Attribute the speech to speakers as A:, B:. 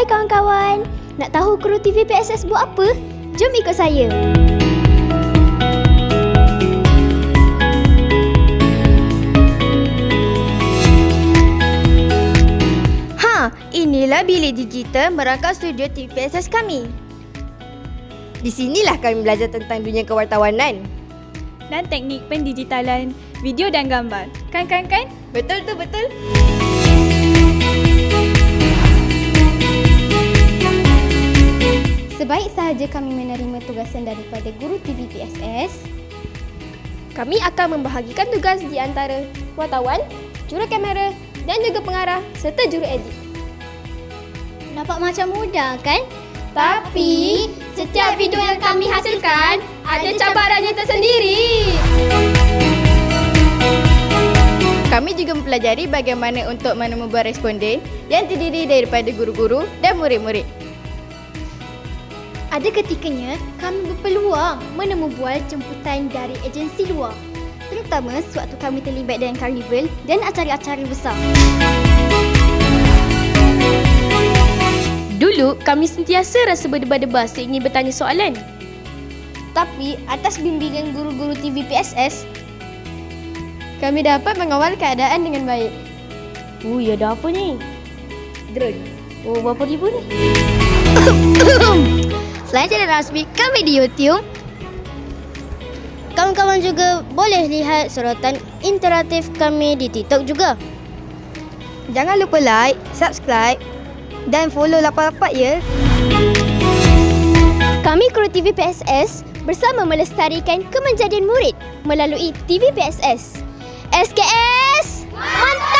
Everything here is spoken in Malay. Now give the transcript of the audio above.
A: Hai kawan-kawan, nak tahu kru TV PSS buat apa? Jom ikut saya.
B: Inilah bilik digital merangkap studio TV PSS kami. Di sinilah kami belajar tentang dunia kewartawanan
C: dan teknik pendigitalan video dan gambar. Kan?
B: Betul tu, betul.
A: Sebaik sahaja kami menerima tugasan daripada guru TV PSS,
B: Kami akan membahagikan tugas di antara wartawan, jurukamera dan juga pengarah serta juru edit.
A: nampak macam mudah kan?
B: Tapi setiap video yang kami hasilkan ada cabarannya tersendiri. Kami juga mempelajari bagaimana untuk menemubuat responden yang terdiri daripada guru-guru dan murid-murid.
A: Ada ketikanya kami berpeluang menemubual jemputan dari agensi luar, terutama sewaktu kami terlibat dengan karnival dan acara-acara besar.
D: Dulu, kami sentiasa rasa berdebar-debar seingin bertanya soalan.
B: Tapi atas bimbingan guru-guru TV PSS, kami dapat mengawal keadaan dengan baik.
D: Ya ada apa ni?
B: Drone.
D: Berapa ribu ni?
A: Selain channel rasmi kami di YouTube, kawan-kawan juga boleh lihat sorotan interaktif kami di TikTok juga.
B: Jangan lupa like, subscribe dan follow lapak-lapak ya.
A: Kami kru TV PSS bersama melestarikan kemenjadian murid melalui TV PSS. SKS, mantap!